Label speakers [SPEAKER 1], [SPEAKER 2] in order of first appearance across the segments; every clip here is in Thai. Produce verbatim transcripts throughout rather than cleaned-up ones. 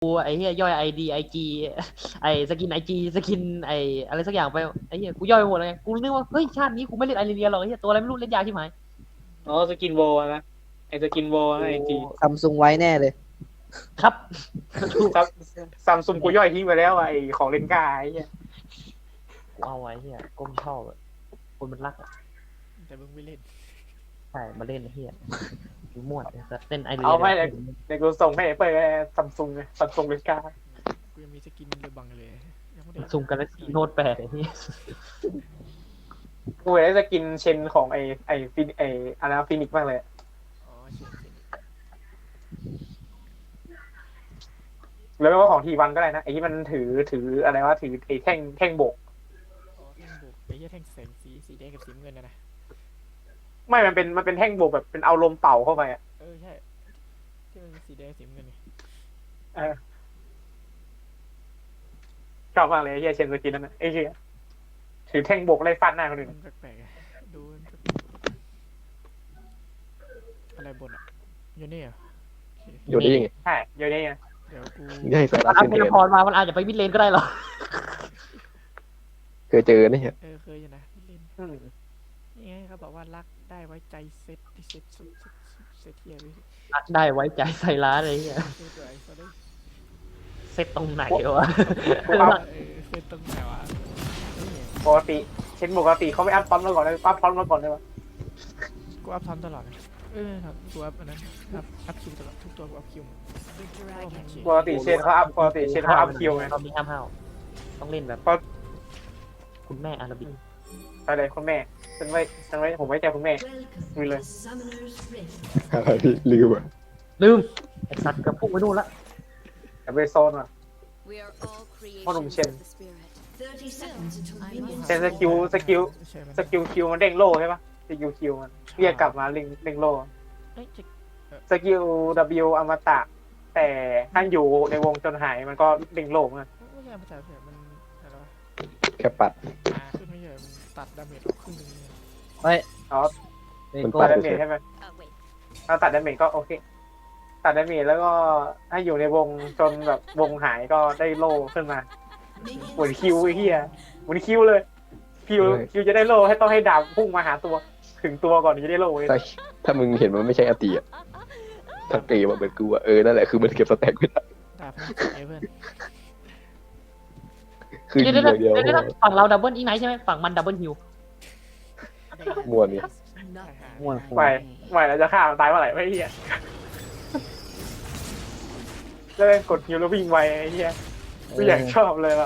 [SPEAKER 1] กูไอ้เหี้ยย่อยไอดีไอจีไอสกินไอจีสกินไออะไรสักอย่างไปไอ้เหี้ยกูย่อยไปหมดเลยกูนึกว่าเฮ้ยชาตินี้กูไม่เล่นไอรีเลียหรอกไอ้เหี้ยตัวอะไรไม่รู้เล่นยากใช่ไหม
[SPEAKER 2] อ๋อสกินโวนะไอ้สกินโวนะไอจี
[SPEAKER 3] ซัมซุงไว้แน่เลย
[SPEAKER 1] ครับ
[SPEAKER 2] ซัมซัมซุงกูย่อยทิ้งไปแล้วอะไอของเลนกาไอ้เหี้ย
[SPEAKER 1] กูเอาไว้เหี้ยก้มชอบอะคนมันรักอะ
[SPEAKER 4] แต่มึงไม่เล่น
[SPEAKER 1] ใช่มาเล่นไอ้เหี้ยกูม่วนเล่นไอรี
[SPEAKER 2] เอา
[SPEAKER 1] เลี
[SPEAKER 2] ไม่
[SPEAKER 1] ย
[SPEAKER 2] เลยเดี๋ยวกูส่งให้เปิดซัมซุงซัมซุงเลนกา
[SPEAKER 4] กูยังมีสกินเรือบังเลยยังไม่ได้
[SPEAKER 1] ซุ่มกันแล้วซีโนดแปดไอ้เหี้ย
[SPEAKER 2] กูอยากได้สกินเชนของไอไอฟินไออะไรนะฟินิกซ์มากเลย
[SPEAKER 4] อ๋อเชนเชน
[SPEAKER 2] แล้วไม่ว่าของทีวันก็ได้นะไอที่มันถือถืออะไรวะถือไอแท่งแท่งโบก
[SPEAKER 4] อ๋อแท่งบุกไอ้เหี้ยแท่งแสงสีสีแดงกับสีน้ำเงินนะนะ
[SPEAKER 2] ไม่มันเป็นมันเป็นแท่งโบกแบบเป็นเอาลมเป่าเข้าไปอะ
[SPEAKER 4] เออใช่ที่มันเป็นสีแดงสีน้ำเงินไง
[SPEAKER 2] เออชอบมากเลยไอ้เฮียเชนสกินนั่นนะไอ้เฮียถือแท่งโบกไล่ฟาดหน้าคนอื่น
[SPEAKER 4] มันแปลกๆอะดูมันแปลกอะไรบนอ่ะอยู่นี่เหรอโอเค
[SPEAKER 5] อยู่ได้ยังไง
[SPEAKER 2] ใช่เดี๋ยวนี้ไง
[SPEAKER 4] เดี๋ยวกู
[SPEAKER 5] ได้สาระ
[SPEAKER 1] ถ้า
[SPEAKER 5] เกิน
[SPEAKER 1] เท
[SPEAKER 5] เท
[SPEAKER 1] เลพอร์ตมามันอาจจะไปมิดเลนก็ได้หรอ
[SPEAKER 5] เคยเจอเนี่ย
[SPEAKER 4] เออเคยอยู่นะเล่น
[SPEAKER 2] อืม
[SPEAKER 4] นี่ไงเขาบอกว่ารักได้ไว้ใจเซ็ตที่เซ็ตสุดเซ็ตเทียร์ไป
[SPEAKER 1] รักได้ไว้ใจใส่ร้านอะไรเงี้ย
[SPEAKER 4] เซ็ตตัวไอ้เขาได้
[SPEAKER 1] เซตตรงไหนวะ
[SPEAKER 2] กูอัพ
[SPEAKER 4] เออเซ็ตตรงไหนวะ
[SPEAKER 2] ปกติเช่นปกติเขาไม่อัพพร้อมมาก่อนเลยอัพพร้อมมาก่อนเลยวะ
[SPEAKER 4] กูอัพซ้ำตลอดนะเออครับกูอัพอันนั้นอัพอัพคิวตลอดทุกตัวกูอัพคิวหมด
[SPEAKER 2] ปกติเชนเขาอัพปกติเชนเขาอัพคิวไง
[SPEAKER 1] ตอนนี้ห้ามห้าวต้องเล่นแบบ
[SPEAKER 2] เพราะ
[SPEAKER 1] คุณแม่อาราบิก
[SPEAKER 2] อะไรคุณแม่ฉันไว้ฉันไว้ผมไว้ใจคุณแม่มีเลย
[SPEAKER 5] อะไรลืมอ่ะ
[SPEAKER 1] ลืมไอ้สัตว์กระพุ้งไปนู่นละ
[SPEAKER 2] แต่ไปโซนอ่ะ พ่อหนุ่มเชน เชนสกิลสกิล
[SPEAKER 4] ใช่มัน
[SPEAKER 2] สกิลคิวมันเด้งโล่ใช่ปะสกิลคิวมันเรียกกลับมาเด้งเด้งโล่
[SPEAKER 4] เอ้ยจะ
[SPEAKER 2] สกิล W อมตะ แต่ถ้าอยู่ในวงจนหายมันก็เด้งโล่เหมือนกัน
[SPEAKER 4] ไม่ใช่ภาษาเสียมันอะไรวะ
[SPEAKER 5] แค่ปัด
[SPEAKER 4] มาขึ้นไม่ใช่มันตัดดาเมจออกครึ่งหนึงเนี่ย
[SPEAKER 3] เฮ้ย
[SPEAKER 2] อ๋อ
[SPEAKER 3] เด็ก
[SPEAKER 5] มัน
[SPEAKER 3] โก้
[SPEAKER 2] ตั
[SPEAKER 5] ปั
[SPEAKER 2] ด
[SPEAKER 5] ด
[SPEAKER 2] ดาเมจใช่ไหมถ้าตัดดาเมจก็โอเค ตัดดาเมจแล้วก็ถ้าอยู่ในวงจนแบบวงหายก็ได้โล่ขึ้นมาหมุนคิวไอ้เหี้ยหมุนคิวเลยคิวคิวจะได้โล่ให้ต้องให้ดาบพุ่งมาหาตัว ถึงตัวก่อนถึงจะได้โล่เลย
[SPEAKER 5] ถ้าถ้ามึงเห็นมันไม่ใช่อติอ่ะถ้าเกมมันเป็นกูอ่ะเออนั่นแหละคือมันเก็บสแต็กไม่ได้
[SPEAKER 4] ดาบมันเอเพื่อน
[SPEAKER 5] คือ
[SPEAKER 1] เดี๋ยว
[SPEAKER 5] ยิ
[SPEAKER 1] เดี๋ยว
[SPEAKER 5] งอย่างเดียว
[SPEAKER 1] เดี๋ยวฝั่งเราดับเบิลอีกไหนใช่ไหมฝั่งมันดับเบิลฮิว
[SPEAKER 5] มวนเนี่ย
[SPEAKER 3] ม่วนหัว
[SPEAKER 2] ไม่ไม่เราจะฆ่ามันตายเมื่อไหร่ไม่เหี้ยแล้วกดฮิวแล้ววิ่งไวไอ้เหี้ยกูอยากชอบเลยว่ะ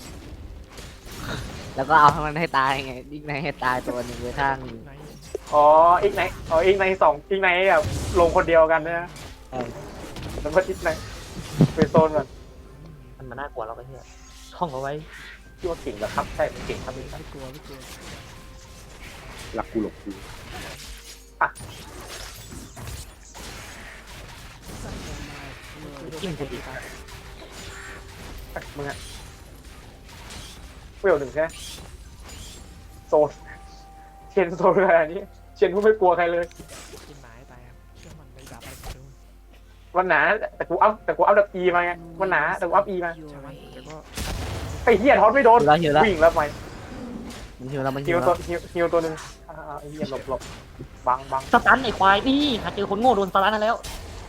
[SPEAKER 3] แล้วก็เอาทั้งนั้นให้ตายไงยิ่งในให้ตายตัวหนึ่งไว้ข้างหนึ่ง
[SPEAKER 4] ไหน
[SPEAKER 2] อ๋ออีกไหนอ๋ออีกไหนสองอีกไหนแบบลงคนเดียวกันนะ
[SPEAKER 3] เออ
[SPEAKER 2] แล้วก็อีกไหนไปโซนก่อน
[SPEAKER 1] มันมาน่ากลัวเราก็เฮียท่องเอาไว้
[SPEAKER 2] ที่ว่าเก่งเหรอครับใช่เก่งครับนี่ครับ
[SPEAKER 4] ไม่กลัวไม่กลัว
[SPEAKER 5] หลักกูหลบกู
[SPEAKER 1] จิ้มคนดี
[SPEAKER 2] มึงอะเวลหนึ่งใช่ไหมโซนเชนโซนอะไรนี้เชนกูไม่กลัวใครเลย
[SPEAKER 4] กินหมาให้ตายครับเชื่อมันในดาบอะไรก็รู้
[SPEAKER 2] วันหนาแต่กูอัพแต่กูอัพดับอีมาไงวันหนาแต่กูอัพอีมา
[SPEAKER 4] ใช่ไหมแต่ก็
[SPEAKER 2] ไอ้เหี้ยทอดไม่โดน
[SPEAKER 3] หิวแล้วหิวแล้ว
[SPEAKER 2] วิ่งแล้วไป
[SPEAKER 3] มันหิวแล้วมันหิ
[SPEAKER 2] ฮิ
[SPEAKER 3] ว
[SPEAKER 2] ว
[SPEAKER 3] แล้
[SPEAKER 2] ตัว
[SPEAKER 3] ว
[SPEAKER 2] ฮิวฮิวตัวหนึ่งอ่าไอ้เหี้ยหลบหลบบังบัง
[SPEAKER 1] สตันไอ้ควายนี่หาเจอคนโง่โดนสตันนั่นแล้ว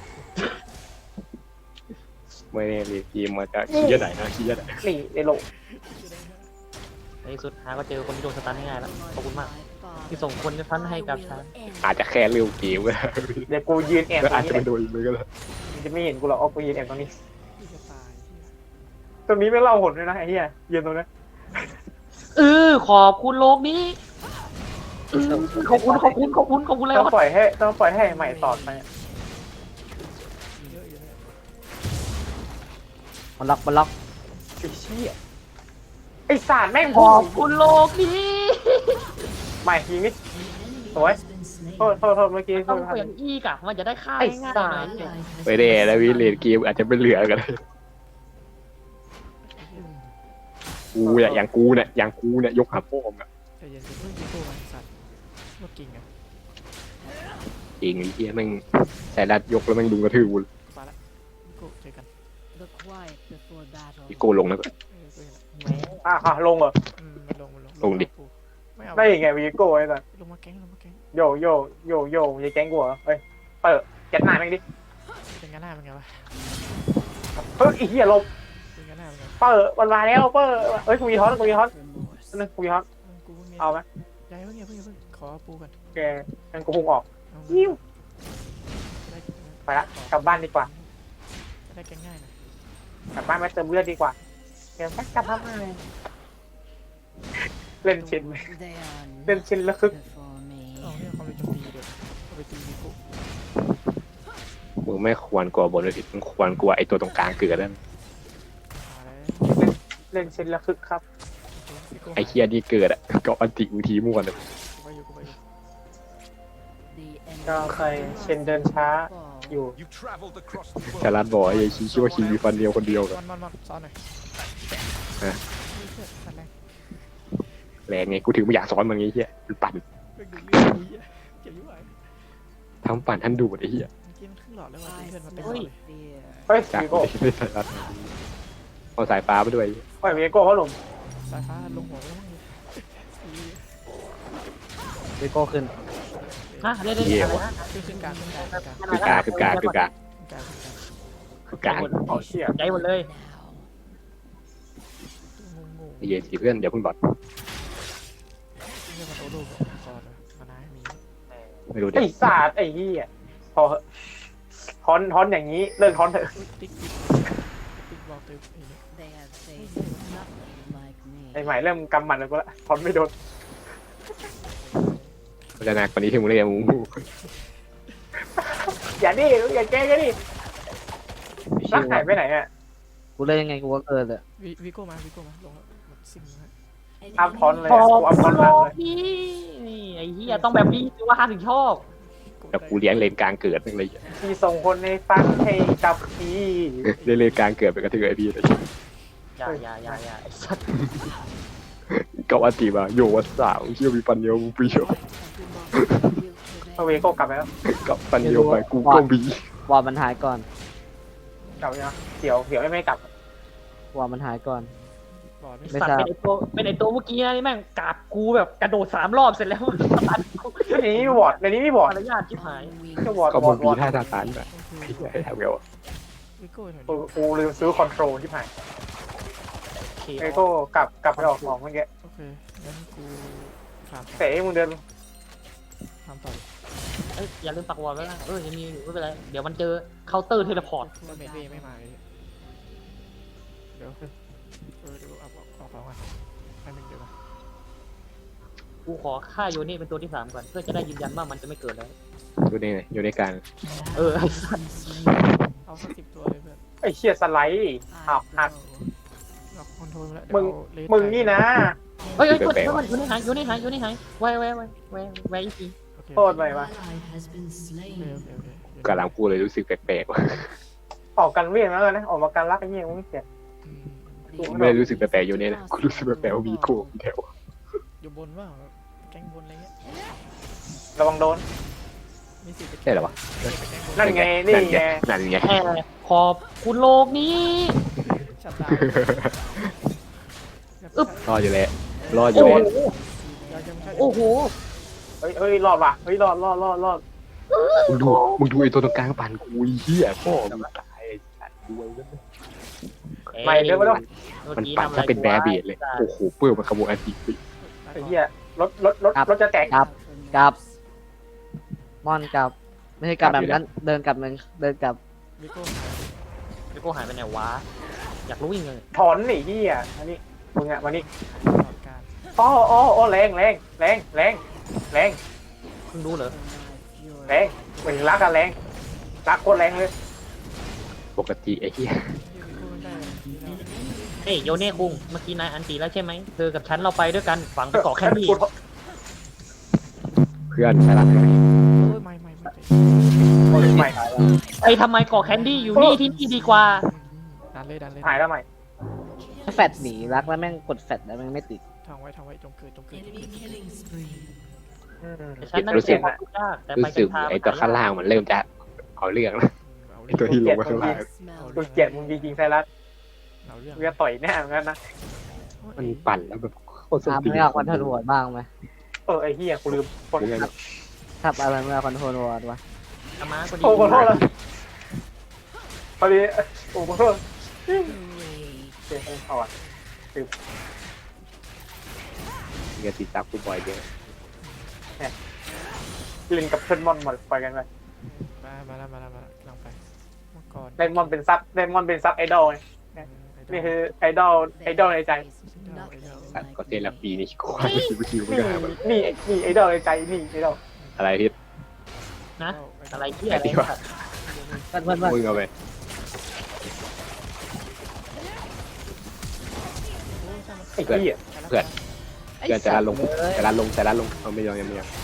[SPEAKER 5] ไม่ได้เลยเกมมาจากขี้ยะไหนนะขี้ยะไหน
[SPEAKER 2] นี่ไอ้โล
[SPEAKER 1] ในที่สุดหาก็เจอคนที่โดนสตันง่ายๆแล้วขอบคุณมากที่ส่งคนที่พันให้กับฉัน
[SPEAKER 5] อาจจะแค่เร็วเกมก็ได้
[SPEAKER 2] เดี๋ยวกูยืนแอบ
[SPEAKER 5] แล้ว
[SPEAKER 2] ตร
[SPEAKER 5] อาจ
[SPEAKER 2] ง
[SPEAKER 5] จะ
[SPEAKER 2] นี้
[SPEAKER 5] เป็นโดยมือก็ได้
[SPEAKER 2] มึงจะไม่เห็นกูหรอกเอากูยืนแอบตรงนี้
[SPEAKER 4] ที่จะตายที่
[SPEAKER 2] ตรงนี้ไม่เล่าหนเลยนะไอ้เหี้ยยืนตรงนั้น
[SPEAKER 1] เออขอบคุณโลกนี้อืมขอบคุณขอบคุณขอบคุณขอบคุณเลย
[SPEAKER 2] ต้อง
[SPEAKER 1] วะ
[SPEAKER 2] ปล่อยให้ต้องปล่อยให้ใหม่ตอดไป
[SPEAKER 4] เยอะอยู่เนี่ย
[SPEAKER 3] มันล็อกมันล็อก
[SPEAKER 2] ไอ้เชี่ยไอ้สารแม่ง
[SPEAKER 1] ขอบคุณโลกนี้
[SPEAKER 2] ใหม่ยิงนิดสวยโทษโทษโทษเมื่อกี้โท
[SPEAKER 1] ต้อง
[SPEAKER 2] ษ
[SPEAKER 1] เปลี่ยนอีกอะมันจะได้ค่า
[SPEAKER 2] ไอ้
[SPEAKER 1] ง่าย
[SPEAKER 2] สา
[SPEAKER 1] ๆหน่อ
[SPEAKER 2] ร
[SPEAKER 1] ย
[SPEAKER 5] ไม่ได้แล้ววิเลนเกมอาจจะเป็นเหลือกันกูเนี่ยอย่างกูเนี่ยอย่างกูเนี่ยยกหาพ่อมอ่ะ
[SPEAKER 4] ใจเย็นๆเพิ่งยิงตัวมันสัตว์ว่าเก่งอ่ะ
[SPEAKER 5] เองไอ้เหี้ยแม่งใส่รัดยกแล้วแม่งดุงกระทืบกู
[SPEAKER 4] ไปละกูเจอกัน
[SPEAKER 5] อีโก้ลงแล้วก็
[SPEAKER 4] เออกูเห็นละ
[SPEAKER 1] แหม
[SPEAKER 2] อ่ะอ่ะลงเหรอ
[SPEAKER 4] อืมมันลงมันลง
[SPEAKER 5] ลงดิ
[SPEAKER 4] กูไม่เอา
[SPEAKER 2] ได้ยังไงวีโก้ไอ้สัส
[SPEAKER 4] ลงมาแก๊งลงมาแก๊ง
[SPEAKER 2] โยโยโยโยยายแก๊งกูเหรอเฮ้ยเปิดแก๊สหน้าแม่งดิ
[SPEAKER 4] เป็นกันหน้าเป็นไงวะ
[SPEAKER 2] เฮ้ยไอ้เหี้ยลบ
[SPEAKER 4] เป็นกันหน้าเป็นไง
[SPEAKER 2] เปิดมันมาแล้วเปิดเฮ้ยกูมีฮอตกูมีฮอตนึงกูมีฮอต
[SPEAKER 4] เออกูเพิ่งมี
[SPEAKER 2] เอาไหม
[SPEAKER 4] ย้ายเพิ่งอย่าเพิ่งอย่าเพิ่งขอปูก่อน
[SPEAKER 2] แกงั้นกูพุ่งออก
[SPEAKER 4] เอา
[SPEAKER 2] ยิ้ว
[SPEAKER 4] ได้
[SPEAKER 2] ไปละกลับบ้านดีกว่า
[SPEAKER 4] ได้แก๊งง่ายหน่อย
[SPEAKER 2] กลับบ้านมาเติมเลือดดีกว่าเดี๋ยวแป๊บกลับบ้านมาเล่นชินเล่นชินแล้วคึก
[SPEAKER 4] เอาเนี่ยความเร็วโจมตีเดี๋ยวเอาไปตีมีกู
[SPEAKER 5] มึงไม่ควรกลัวบนเลยผิดมึงควรกลัวไอ้ตัวตรงกลางเกิดนั่น
[SPEAKER 4] มาแล้ว
[SPEAKER 2] เล่นชินแล้วคึกครับ
[SPEAKER 4] มีกู
[SPEAKER 5] ไอ้เคียนี่เกิดอ่ะก็อันติอุทีมั่วเลย
[SPEAKER 4] กูไปอยู่กูไปอยู่
[SPEAKER 2] ก็เคยเชนเดินช้าอยู่
[SPEAKER 6] You've traveled across the
[SPEAKER 5] แต่
[SPEAKER 6] world.
[SPEAKER 5] รัดบอกไอ้คิดคิดว่าคิงมีฟันเดียวคนเดียวกัน
[SPEAKER 4] มันมันมันซ้อนหน่อย
[SPEAKER 5] ฮะ
[SPEAKER 4] นี่เชื่อสันแรง
[SPEAKER 5] แรงไงกูถึงไม่อยากสอนมันไงเฮียมันปั่น
[SPEAKER 4] เรื่องดูเรื่องดูเหี้ยเจ็บยุ่งไหว
[SPEAKER 5] ทั้งปั่นทั้งดูดไอ้เฮีย
[SPEAKER 4] เมื่อกี้มันครึ่งหลอดแล้วว่ะเพื่อนมาเป็นหล
[SPEAKER 1] เฮ้
[SPEAKER 4] อย ดเลย
[SPEAKER 2] เฮ้ย
[SPEAKER 5] จาก
[SPEAKER 2] วีโก้
[SPEAKER 5] ไม่ได้ใส่รัดเอาสายฟ้าไปด้วย
[SPEAKER 2] เฮ้ยวีโก้เขาหนุ่ม
[SPEAKER 4] สายฟ้าลงหัวแล้วมั้งดิ
[SPEAKER 3] วิโก้ขึ้น
[SPEAKER 1] ฮะเล่นเล่นอะไรนะ
[SPEAKER 4] ขึ้นขึ้นกลางขึ้นกลางขึ้นกลาง
[SPEAKER 5] คือกาคือกาคือกา
[SPEAKER 4] ขึ้นกลางขึ้นกลาง
[SPEAKER 5] คือกา
[SPEAKER 2] เอาเชี่ย
[SPEAKER 1] ใจหมดเลย
[SPEAKER 4] งงง
[SPEAKER 5] ไอ้เหี้ยสิเพื่อนเดี๋ยวเพิ่งบอด
[SPEAKER 4] เรื่องมันโตโลกก่อนเลยมาน้ามี
[SPEAKER 5] ไม่รู้เดี๋
[SPEAKER 2] ไอ้
[SPEAKER 5] ยว
[SPEAKER 2] ศาสตร์ไอ้เหี้ยพอเหอะฮอนฮอนอย่างนี้เลิกฮอนเถอะ
[SPEAKER 4] ติ๊กติ๊กติ๊กบอกเติมไอ้เนี่ย
[SPEAKER 2] ไอ้ใหม่เริ่มกำหมัดแล้วกูละฮอนไม่โดน
[SPEAKER 5] มันจะหนักกว่านี้ที่มึงเล่นมึง
[SPEAKER 2] อย่าดิอย่าแกล้งกันดิรักหายไปไหนอ่ะ
[SPEAKER 3] กูเล่นยังไงกูก็เกิดเลย
[SPEAKER 4] วิวิโก้มาวิโก้มาลงแล้วซิงนะ
[SPEAKER 2] อัพฮอนเลย
[SPEAKER 1] พอ
[SPEAKER 2] กูอัพฮอนล่างเลย
[SPEAKER 1] พี่นี่ไอ้เหี้ยต้องแบบนี้ถือว่าห้าถึงชอบ
[SPEAKER 5] แต่กูเลี้ยงเลนกลางเกิดอะไรอย่างเงี้ย
[SPEAKER 2] ที่ส่งคนในฟังให้กับพี่
[SPEAKER 5] เล่นเลนกลางเกิดไปกระเทือไอ้พี่เลย
[SPEAKER 1] อย่าอย่าอย่าอย่าไอ้สัตว์
[SPEAKER 5] ก็อันติมาโยวัสาวเชื่อมีฟันเดียวมึงปีเดียว
[SPEAKER 2] เอาวีโก้กลับไปแล้ว
[SPEAKER 5] กับฟันเดียวไปกูก็บี
[SPEAKER 3] วอลมันหายก่อน
[SPEAKER 2] กลับไปยังเดี๋ยวเดี๋ยวไม่กลับ
[SPEAKER 3] วอลมันหายก่อน
[SPEAKER 4] บอดไม่
[SPEAKER 3] ไม่
[SPEAKER 1] สัต
[SPEAKER 3] ท
[SPEAKER 1] ว์
[SPEAKER 3] ราบ
[SPEAKER 1] เป็นไอตัวเป็นไอตัวเมื่อกี้นะนี่แม่งกราบกูแบบกระโดดสามรอบเสร็จแล้วตัดกู
[SPEAKER 2] ในนี้มีวอร์ดในนี้มีวอร์ด
[SPEAKER 1] มารยาทชิบหาย
[SPEAKER 2] ก็วอร์ด
[SPEAKER 5] ก็
[SPEAKER 2] ว
[SPEAKER 5] มึ
[SPEAKER 2] อร์
[SPEAKER 5] ง
[SPEAKER 2] ด
[SPEAKER 5] บี
[SPEAKER 2] วอร์ด
[SPEAKER 5] ท่าทาตานแบบไอ้ทำไงวะ
[SPEAKER 4] วิโก้หน่อย
[SPEAKER 2] กูกูลืมซื้อคอนโทรลที่ผ่าน
[SPEAKER 1] โอเค
[SPEAKER 2] ไอ้โก้กลับกลับไปออกของเมื่อกี้
[SPEAKER 4] โอเคงั้นกูถาม
[SPEAKER 2] เตะมึงเดิน
[SPEAKER 4] ถามต่อ
[SPEAKER 1] เอ้ยอย่าลืมปักวอลไว้นะเออยังมีอยู่ไม่เป็นไรเดี๋ยวมันเจอเคาน์เตอร์เทเลพอร์ต
[SPEAKER 4] ดาเมจเวไม่มาเลยเดี๋ยวเออเดี๋ยวเอาออกออกของอ่ะให้มึงเดี๋ยวมา
[SPEAKER 1] กูขอฆ่าโยนี่เป็นตัวที่สามก่อนเพื่อจะได้ยืนยันว่ามันจะไม่เกิดแล้ว
[SPEAKER 5] อยู่ในอยู่ในกลาง
[SPEAKER 1] เออไอ้สัตว์
[SPEAKER 4] เอาสักสิบตัวเลยเพื่อน
[SPEAKER 2] ไอ้เชี่ยสไลด์อ้าวหัก
[SPEAKER 4] ล็อกคอนโทรลแล้ว
[SPEAKER 2] มึง มึงนี่นะ
[SPEAKER 1] เฮ้ยเฮ้ยกดเฮ้ยมันโยนี่หายโยนี่หายโยนี่หายไว้ไว้ไว้ไว้ไว้อีกที
[SPEAKER 4] โอเค
[SPEAKER 2] โทษไปวะ
[SPEAKER 4] โอเคโอเคโอเค
[SPEAKER 5] กำลังพูดเลยรู้สึกแปลกๆว่ะ
[SPEAKER 2] ออกกันเวียงแล้วกันนะออกมากันรักไอ้เหี้ยมึงเสีย
[SPEAKER 4] อืม
[SPEAKER 5] ไม่ได้รู้สึกแปลกๆอยู่เนี่ยนะกูรู้สึกแปลกๆว่ามีโก้แถว
[SPEAKER 4] อยู่บนว่าแก๊งบนอะไรเงี้ย
[SPEAKER 2] ระวังโดน
[SPEAKER 4] มีสิทธิ์จะ
[SPEAKER 5] ใช่เหรอวะ
[SPEAKER 2] นั่นไงนี่ไง
[SPEAKER 5] นั่นไง
[SPEAKER 1] แอบขอบคุณโลกนี้
[SPEAKER 4] ชัดดาว
[SPEAKER 5] รออยู่แล้วรออ
[SPEAKER 1] โอ้
[SPEAKER 5] ยู่
[SPEAKER 1] โห
[SPEAKER 5] แล้ว
[SPEAKER 1] โอ้โห
[SPEAKER 2] เฮ้ยเฮ้ยรอดว่ะเฮ้ยรอดรอดรอดรอด
[SPEAKER 5] มึงดูมึงดูไอ้ตัวตรงกลางปั่นกูไอ้เหี้ยพ่อมึงตายไอ้สัตว์ด้วยแล้ว
[SPEAKER 2] ไม่เดี๋ยวไม่ต้อง
[SPEAKER 5] มันปั่นถ้าเป็นแบร์เบียดเลยโอ้โหเปื้อนมันขโมยอันติไป
[SPEAKER 2] ไอ้เหี้ยรถรถรถรถจะแตก
[SPEAKER 3] กลับกลับมอนกลับ ไม่ใช่กลับแบบนั้น เดินกลับมึงเดินกลับ
[SPEAKER 4] วิโก้
[SPEAKER 1] แล้วกูหายไปไหนวะอยากรู้ยังไง
[SPEAKER 2] ถอนหนีเหี้ยอันนี้มึงอะมานี่
[SPEAKER 4] ตลอดการ
[SPEAKER 2] อ๋ออ๋ออ๋อแรงแรงแรงแรงแรง
[SPEAKER 1] เพิ่งรู้เหรอ
[SPEAKER 2] แรงเหมือนรักอะแรงรักโคตรแรงเลย
[SPEAKER 5] ปกติไอ้เหี้ย
[SPEAKER 4] วิโก้ได้
[SPEAKER 1] เฮ้ยโยเน่คุงเมื่อกี้นายอันตีแล้วใช่ไหมเธอกับฉันเราไปด้วยกันฝังไปเกาะแค่นี้
[SPEAKER 2] กู
[SPEAKER 5] เพื่อนใช่ละ
[SPEAKER 4] โอ้ยไม่ไม่ไม่
[SPEAKER 2] โอ้ยใหม่
[SPEAKER 1] ไอ้ทำไมเกาะแคนดี้อยู่นี่ที่นี่ดีกว่า
[SPEAKER 4] ดันเลยดันเลย
[SPEAKER 2] หายแล้วใหม่
[SPEAKER 3] ถ้าแฟดหนีรักแล้วแม่งกดแฟดแล้วแม่งไม่ติด
[SPEAKER 4] ทางไว้ทางไว้จงเกิดจงเกิดจงเกิด
[SPEAKER 2] อืม
[SPEAKER 1] แต่ฉันนั่นเสียความยากแต่ไป
[SPEAKER 5] รู้
[SPEAKER 1] กั
[SPEAKER 5] สึ
[SPEAKER 1] น
[SPEAKER 5] ก
[SPEAKER 1] ทาง
[SPEAKER 5] ไอ้ตัวข้างล่างมันเริ่มจะเอาเรื่องแล้ว
[SPEAKER 4] เอา
[SPEAKER 5] ไอ้ตัวที่ลงมาข้างล่าง
[SPEAKER 2] กูเกลียดมึงจริงๆไซรัส
[SPEAKER 4] เราเรื่อง
[SPEAKER 2] กูจะต่อยแน่เหมือนกันนะ
[SPEAKER 5] มันปั่นแล้วแบบโคตรส
[SPEAKER 3] อา
[SPEAKER 5] ติ
[SPEAKER 3] ไม่เอาคอนโทรลวอร์ดบ้างไหม
[SPEAKER 2] เออไอ้เหี้ยกูลืมคน
[SPEAKER 5] ยังไง
[SPEAKER 3] ทับอะไรไม่เอาคอนโทรลวอร์ดวะ
[SPEAKER 1] อามาก็ดี
[SPEAKER 2] โอ้ขอโทษละพอดีโอ้ขอโทษเจ็บอ่อน
[SPEAKER 5] เงี้ยติดตามกูบ่อยเดียว
[SPEAKER 2] เล่นกับเพื่อนมอนหมดไปกันไป
[SPEAKER 4] มามาแล้วมาแล้วมาแล้วลองไปเมื่อก่อน
[SPEAKER 2] เล่นมอนเป็นซับเล่นมอนเป็นซับไอดอลไงนี่คือไอดอลไอดอลในใจ
[SPEAKER 5] สัตว์ก็เทลปีนี่ควายคิวคิวไม่
[SPEAKER 2] นี่
[SPEAKER 5] ได้แบบ
[SPEAKER 2] นี่นี่ไอดอลในใจนี่ไอดอล
[SPEAKER 5] อะไรพี่
[SPEAKER 1] นะอะไรเหี้ย
[SPEAKER 5] ไอ้
[SPEAKER 1] อะไร
[SPEAKER 5] ที่ว่า
[SPEAKER 3] เพื่อนเพื่อนเพื่อน
[SPEAKER 5] มึงเอาไป
[SPEAKER 2] ไอ้เหี้ย
[SPEAKER 5] เพื่อนเพื่อนจะลงจะรัดลงจะรัดลงเอาไม่ยอมยังไม่ยอม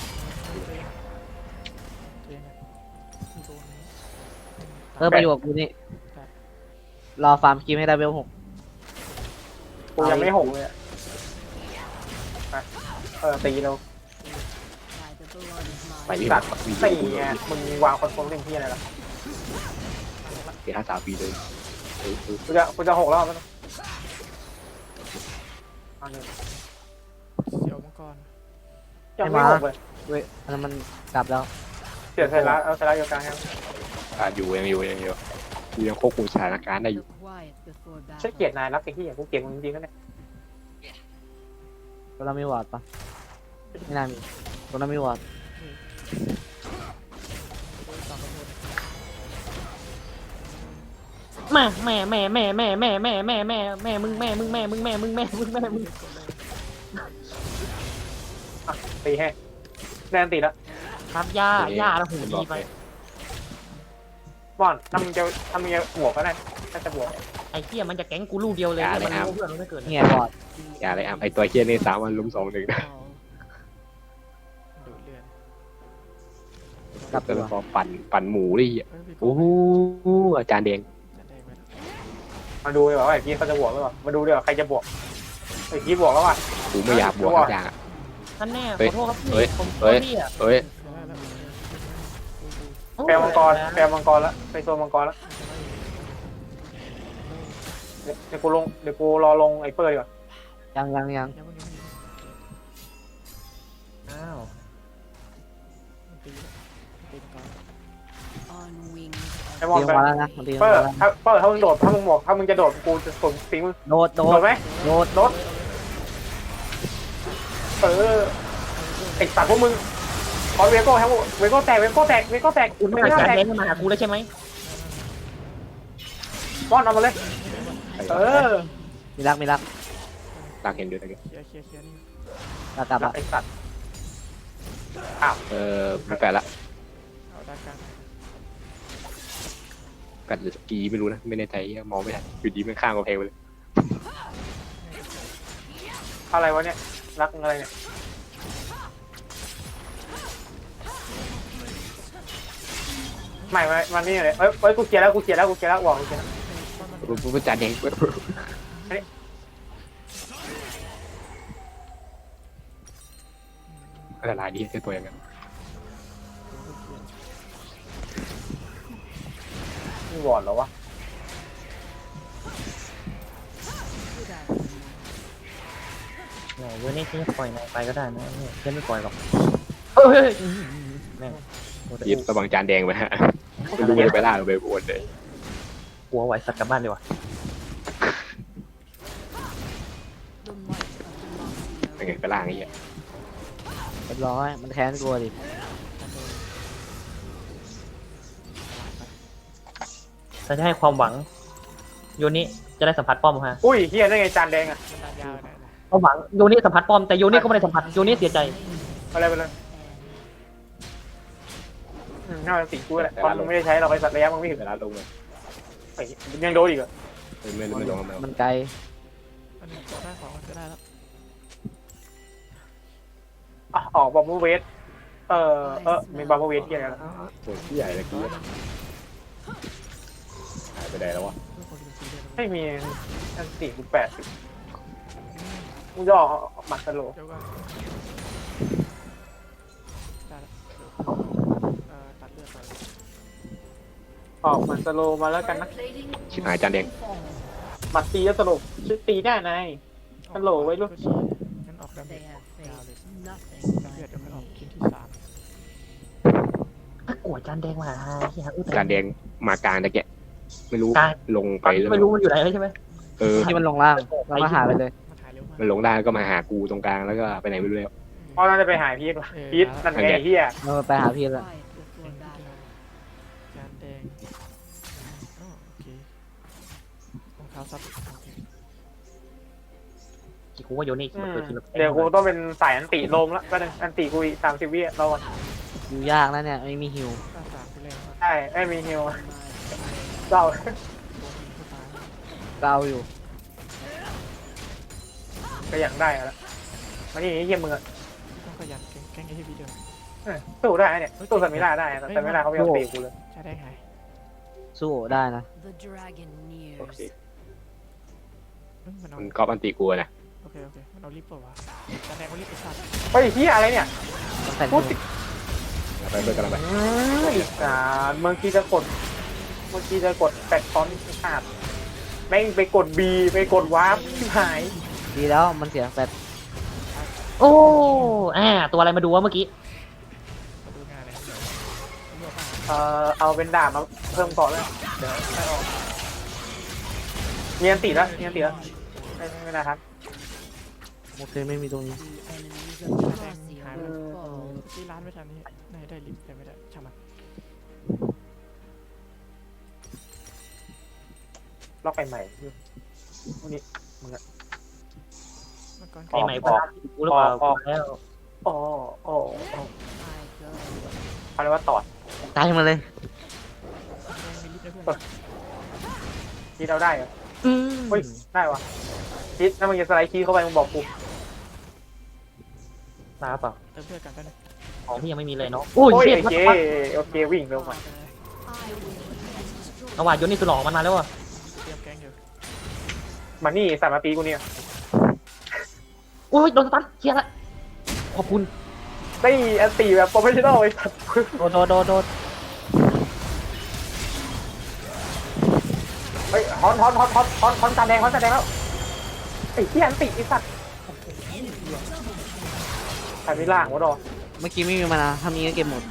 [SPEAKER 3] เออไปอยู่กับกูนี่รอฟาร์มคิมให้ได้เวลหก
[SPEAKER 2] กูยังไม่หงเลยอะเออตีเรา
[SPEAKER 5] ไปที่
[SPEAKER 2] ตั
[SPEAKER 5] รั
[SPEAKER 2] ด
[SPEAKER 5] ดวี
[SPEAKER 2] ตี
[SPEAKER 5] ดี
[SPEAKER 2] ไงมึงวางคอนโทรลเล่นที่อะไรล่ะ
[SPEAKER 5] เสียห้าสามปีเลยเออ
[SPEAKER 2] กูจะกูจะหกรอบแล้วนะอันนี้
[SPEAKER 4] เสียวเมื่อก่อน
[SPEAKER 2] ยังไม่หกเลย
[SPEAKER 3] เว้ยอันนั้นมันกลับแล้ว
[SPEAKER 2] เสียไซรัสเอาไซรัสอยู่กลางครับ
[SPEAKER 5] อ่ะอยู่ยังอยู่ยังอยู่กูยังควบคุมสถานการณ์ได้อยู่
[SPEAKER 2] ฉันเกลียดนายรักไอ้ที่อย่างกูเกลียดมึงจริงๆนะเนี่ย
[SPEAKER 3] ตัวนั้นมีวอร์ดปะไม่น่ามีตัวนั้นมีวอร์ด
[SPEAKER 1] แม่แม่แม่แม่แม่แม่แม่แม่แม่แม่มึงแม่มึงแม่มึงแม่มึงแม่มึงแม่มึง
[SPEAKER 2] อ่ะตีให้แดนตีแล้ว
[SPEAKER 1] ครับย่าย่าแล้วหูดีไป
[SPEAKER 2] บอนถ้ามึงจะถ้ามึงจะบวกก็ได้ถ้าจะบวก
[SPEAKER 1] ไอ้เหี้ยมันจะแก๊งกูลูกเดียวเลยมันรู้เพื่อนมันไม่เกิด
[SPEAKER 3] นี่ไงวอร์ด
[SPEAKER 5] อย่าเลยอ่ะไอตัวเคียนี่สามวันล้มสองหนึ่งนะ
[SPEAKER 4] ดูดเลือด
[SPEAKER 3] กลับ
[SPEAKER 5] ก็
[SPEAKER 3] ตั
[SPEAKER 5] เล
[SPEAKER 3] วย
[SPEAKER 5] พอปั่นปั่นหมูดิ
[SPEAKER 4] เฮ้ยพี่
[SPEAKER 5] โอ้โหอาจารย์แดง
[SPEAKER 4] จะได้ไหมล่ะ
[SPEAKER 2] มาดูดีกว่าว่าไอ้พี่เขาจะบวกหรือเปล่ามาดูดีกว่าใครจะบวกไอ้พี่บวกแล้วว่ะ
[SPEAKER 5] กูไม่อยากบวกทุกอย่างอ่ะ
[SPEAKER 1] ท่านแน่ข
[SPEAKER 5] เฮ้ย
[SPEAKER 1] อโทษครับ
[SPEAKER 5] เฮ้
[SPEAKER 1] พี่
[SPEAKER 5] ย
[SPEAKER 1] ผมขอ
[SPEAKER 5] เฮ้ย
[SPEAKER 1] พี่อ่ะ
[SPEAKER 5] เอ้ย
[SPEAKER 4] ได้แล้ว
[SPEAKER 2] แปลมังกรแปลมังกรแล้วไปโซนมังกรแล้วเดี๋ยวเดี๋ยวกูลงเดี๋ยวกูรอลงไอ้เปอร์ดีกว่า
[SPEAKER 3] ยังยังยัง
[SPEAKER 4] ยังไม่ยังไม่
[SPEAKER 1] อ้าว
[SPEAKER 4] ตีตีก่อน
[SPEAKER 2] ไอ้มอน
[SPEAKER 3] ตี
[SPEAKER 2] ไป
[SPEAKER 3] มาแล้วนะมันตี
[SPEAKER 2] เปอ
[SPEAKER 3] มา
[SPEAKER 2] ร์
[SPEAKER 3] แล้ว
[SPEAKER 2] ถ้าเปอร์ถ้ามึงโดดถ้ามึงบอกถ้ามึงจะโดดกูจะส่งตีมึง
[SPEAKER 3] โดดโด
[SPEAKER 2] โด
[SPEAKER 3] ด
[SPEAKER 2] ดไหม
[SPEAKER 3] โดด
[SPEAKER 2] โดดเออไอ้สัตว์พวกมึงขอเวโก้ครับเวโก้แตกเวโก้แตกเวโก้แตก
[SPEAKER 1] คุณ
[SPEAKER 2] เว
[SPEAKER 1] ไม่
[SPEAKER 2] โก้
[SPEAKER 1] หา
[SPEAKER 2] แตก
[SPEAKER 1] แก๊งมาหากูแล้วใช่ไหม
[SPEAKER 2] บอนเอามาเลยเออ
[SPEAKER 3] มีรักมีรัก
[SPEAKER 5] ตากเห็นด้วยตะกี้
[SPEAKER 4] เคลียร์เคลียร์เคลียร์นี่
[SPEAKER 3] กลับกลับละ
[SPEAKER 2] ไอ้สัตว์
[SPEAKER 5] เออมีแฟนละ
[SPEAKER 4] เอาด้านกลาง
[SPEAKER 5] กัดหรือสกีไม่รู้นะไม่แน่ใจมองไม่ทันอยู่ดีมันข้างกำแพงไปเลย
[SPEAKER 2] อะไรวะเนี่ยรักอะไรเนี่ยไม่ไม่มันนี่เลยเอ้ยเอ้ยกูเคลียร์แล้วกูเคลียร์แล้วกูเคลียร์แล้วบอกกูเคลียร์แล้ว
[SPEAKER 5] ปุ๊บอาจารย์แดงอะไรลายดีเจ้าตัวอย่างนั้น
[SPEAKER 2] นี่วอร์ดเหรอวะ
[SPEAKER 1] ไหนเว้ยนี่จะปล่อยนายไปก็ได้นะเนี่ยฉันไม่ปล่อยหรอกเฮ้ยแม่ง
[SPEAKER 5] ยิบระวังจานแดงไปฮะไม่รู้จะไปล่าหรือไปอวดเลย
[SPEAKER 1] หัวไหวสัตว์กลับบ้านดีกว่า
[SPEAKER 5] เป็นไงไปล่าไงเงี้ย
[SPEAKER 3] เรียบร้อยมันแค้นกลัวดิ
[SPEAKER 1] เราจะให้ความหวังโยนี่จะได้สัมผัสป้อมฮะ
[SPEAKER 2] อุ้ยเฮียได้ไงจานแดงอ่ะ
[SPEAKER 4] มันนานยาวเลยนะ
[SPEAKER 1] ความหวังโยนี่สัมผัสป้อมแต่โยนี่ก็ไม่ได้สัมผัสโยนี่เสียใจ
[SPEAKER 2] อะไรไปเลยอืมน่าจะสิกูแหละตอนมึงไม่ได้ใช้เราไปสัตว์ระยะมึงไม่ถึง
[SPEAKER 5] เวลาลงเลย
[SPEAKER 2] ไอ้ยังโดนอีกเหรอ
[SPEAKER 5] ไม่ไม่ลงมา
[SPEAKER 3] มันไกล
[SPEAKER 4] อันนี้ได้ของมันก็ได้แล้ว
[SPEAKER 2] อ่ะออกบอมบูเวสเออเออมีบอมบูเวสที่อะไรแล้ว
[SPEAKER 5] โอ้ยที่ใหญ่เลยกี้หายไปไหนแล้ววะ
[SPEAKER 4] เพื่อคนเป็นซีเรียส
[SPEAKER 2] ไม่มีอันสี่กูแปดสิบกูจะออกหมัดสโล
[SPEAKER 4] เดี๋ยวก่อนได้แล้วเออตัดเลือดไป
[SPEAKER 2] ออกมันสโลว์มาแล้วกันนะ
[SPEAKER 5] ชิบหายจานแดง
[SPEAKER 2] บัตรตีแล้วสลบชื่อตีได้นาย ฮัลโหลไว้ลูก
[SPEAKER 4] งั้นออกดาเมจยาวเลยเลือดเดี๋ยวค่อยออกชิ้นที่สาม
[SPEAKER 1] ถ้ากลัวจานแดงมาหาเฮียอุ้ย
[SPEAKER 5] จานแดงมากลางตะแกะไม่รู้
[SPEAKER 1] กลาง
[SPEAKER 5] ลง
[SPEAKER 1] ต
[SPEAKER 5] ไป
[SPEAKER 1] อนนี้
[SPEAKER 5] แล้ว
[SPEAKER 1] ไม่รู้มันอยู่ไหนแล้วใช่ไหม
[SPEAKER 5] เออ
[SPEAKER 3] ที่มันลงล่างแล้วก็หาไปเลย
[SPEAKER 4] มาถ่ายเร็วมาก
[SPEAKER 5] มันลงได้ก็มาหากูตรงกลางแล้วก็ไปไหนไม่รู้แล้ว
[SPEAKER 2] พ่อน่าจะไปหาพีทว่ะพีทนั่นไงไอ้เฮีย
[SPEAKER 3] เราไปหาพี่แล้ว
[SPEAKER 4] จานแดงอ๋อโอเครองเท้าซับโอเค
[SPEAKER 1] ที่กูว่าโยนี่
[SPEAKER 2] อืม
[SPEAKER 1] เปิดทีละ
[SPEAKER 2] เดี๋ยวกูต้องเป็นสายอันติโลมแล้วก็นึงอันติกูอีกสามสิบวิเราอะ
[SPEAKER 3] อยู่ยากนะเนี่ยไม่มีฮิว
[SPEAKER 4] ตาสามไปแล้วอะ
[SPEAKER 2] ใช่ไม่มีฮิวเศร้า
[SPEAKER 4] ตัวหินตัวตาย
[SPEAKER 3] ก็เอาอยู่
[SPEAKER 2] ก็อย่างได้แล้วมานี่ไอ้เฮียมึงอะ
[SPEAKER 4] ต้องขยันแกล้งแกล้งไอ้ที่พี่เดิม
[SPEAKER 2] เออสู้ได้เนี่ยสู้สมิล่าได้แต่สมิล่าเขาไม่ยอมตีกูเลย
[SPEAKER 4] ใช่ได้ไง
[SPEAKER 3] สู้ได้นะ
[SPEAKER 2] โอเค
[SPEAKER 4] เอ้ยมันเอา
[SPEAKER 5] มันก๊อปอันตีกูนะ
[SPEAKER 4] โอเคโอเคมันเอาลิฟต์เปล่าวะจานแดงเอาลิฟต์ไปสัตว์
[SPEAKER 2] เฮ้ยเฮียอะไรเนี่ย
[SPEAKER 3] ต้องแต่ง
[SPEAKER 2] พู
[SPEAKER 3] ฮิ
[SPEAKER 2] ด
[SPEAKER 3] ว
[SPEAKER 2] ติ
[SPEAKER 5] ไปเบิร์กันแล้วไป
[SPEAKER 2] อืมอีกอ่าเมื่อกี้จะกดเมื่อกี้จะกดแปดฟอนต์ขาดแม่งไปกด B ไปกดวาร์ปที่หาย
[SPEAKER 3] ดีแล้วมันเสียแฟด
[SPEAKER 1] โอ้อ่าตัวอะไรมาดูวะเมื่อกี้
[SPEAKER 4] มาดูงานเลยเดี๋ยวเลือกมา
[SPEAKER 2] เอ่อเอาเป็นดาบมาเพิ่มก่อนเลยเดี๋ยวไม่ออกมีอันติแล้วมีอันติแล้วไม่ไม่ไม่นะครับ
[SPEAKER 3] โอเคไม่มีตรงนี้
[SPEAKER 4] จานแดงหายไปแล้วที่ร้านไม่ทันนี่น่าจะได้ลิฟต์แต่ไม่ได้ช่างมัน
[SPEAKER 2] ล็อกไปใหม่พวกนี้
[SPEAKER 4] เมื่อก่อน
[SPEAKER 1] ไอ้ไหนบ้างกูหรือเปล่า
[SPEAKER 2] ออก
[SPEAKER 1] แล้ว
[SPEAKER 2] โอ้โอ้โอ้เขาเรียกว่าตอด
[SPEAKER 3] ตายมาเลย
[SPEAKER 4] แดงมีลิฟต์นะเพื่อน
[SPEAKER 2] คิดเอาได้เหรอ
[SPEAKER 1] อืม
[SPEAKER 2] เฮ้ยได้วะคิดถ้ามึงจะสไลด์คีย์เข้าไปมึงบอกกู
[SPEAKER 1] มาเปล่า
[SPEAKER 4] เติมเพื่อนกันได้เลย
[SPEAKER 1] ของพี่ยังไม่มีเลยเนาะโอ้ย
[SPEAKER 2] โอ้ย
[SPEAKER 1] เชี่ย
[SPEAKER 2] โอเคโอเควิ่งเร็วมา
[SPEAKER 1] ระหว่างโยนี่สุดหล่อมันมาแล้วอ่ะ
[SPEAKER 4] เตรียมแกงอยู่
[SPEAKER 2] มานี่สามมาตีกูเนี่ย
[SPEAKER 1] โอ้ยโดนสตันเชี่ยละขอบคุณ
[SPEAKER 2] ได้อันตีแบบโปรเฟชชั่นอลไอ้สัตว์
[SPEAKER 1] โดนโดนโดนโดน
[SPEAKER 2] เฮ้ยฮอนฮอนฮอนฮอนฮอนฮอนจานแดงฮอนจานแดงแล้วไอ้ที่อันติไอ้สัตว์ใครไม่ล่างวะดอ
[SPEAKER 3] เมื่อกี้ไม่มีมานะถ้ามีก็เก็บหมด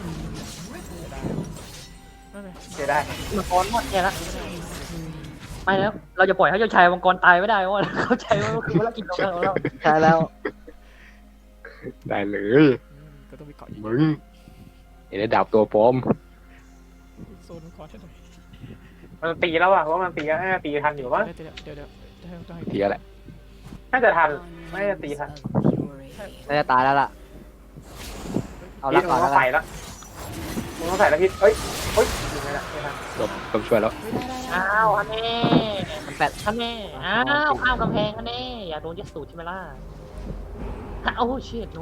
[SPEAKER 4] นั่นเลย
[SPEAKER 2] เสียได้
[SPEAKER 1] มังกรหมดแย่ละไม่แล้วเราจะปล่อยให้เจ้าชายมังกรตายไม่ได้เพราะว่าเข้าใจว่ามันคือภารกิจของเราของเรา
[SPEAKER 3] ใช่แล้ว
[SPEAKER 5] ได้เลย
[SPEAKER 4] อืมก็ต้องมีเกาะอีก
[SPEAKER 5] มึงเห็นได้ดาบตัวปลอม
[SPEAKER 4] โซนมังกรให้หน่อย
[SPEAKER 2] มันตีแล้วอะเพราะว่ามันตีแล้วน่าจะตีทันอยู่มั้ง
[SPEAKER 4] เดี๋ยวเดี๋ยวเดี๋ยวเดี๋ยวต้องให้
[SPEAKER 5] เทียแหละ
[SPEAKER 2] น่าจะทันไม่น่าจะตีทัน
[SPEAKER 3] น่าจะตายแล้วล่ะ เอา
[SPEAKER 2] พี
[SPEAKER 3] ละ
[SPEAKER 2] ท
[SPEAKER 3] ก่
[SPEAKER 2] มึ
[SPEAKER 3] อน
[SPEAKER 2] ง
[SPEAKER 3] แล้ว
[SPEAKER 2] ต้อง
[SPEAKER 3] กั
[SPEAKER 2] ใส่
[SPEAKER 3] น
[SPEAKER 2] ละมึงต้องใส่ละพีทเอ้ยเฮ้ยยิงไม่ได้ไม่ทัน
[SPEAKER 5] จบต้องช่วยแล้ว
[SPEAKER 1] อ้าวอันแน่
[SPEAKER 3] มันแฟด
[SPEAKER 1] อันแน่อ้าวข้ามกำแพงอันแน่อย่าโดนยัดสูตรใช่ไหมล่ะโอ้เชิดโน้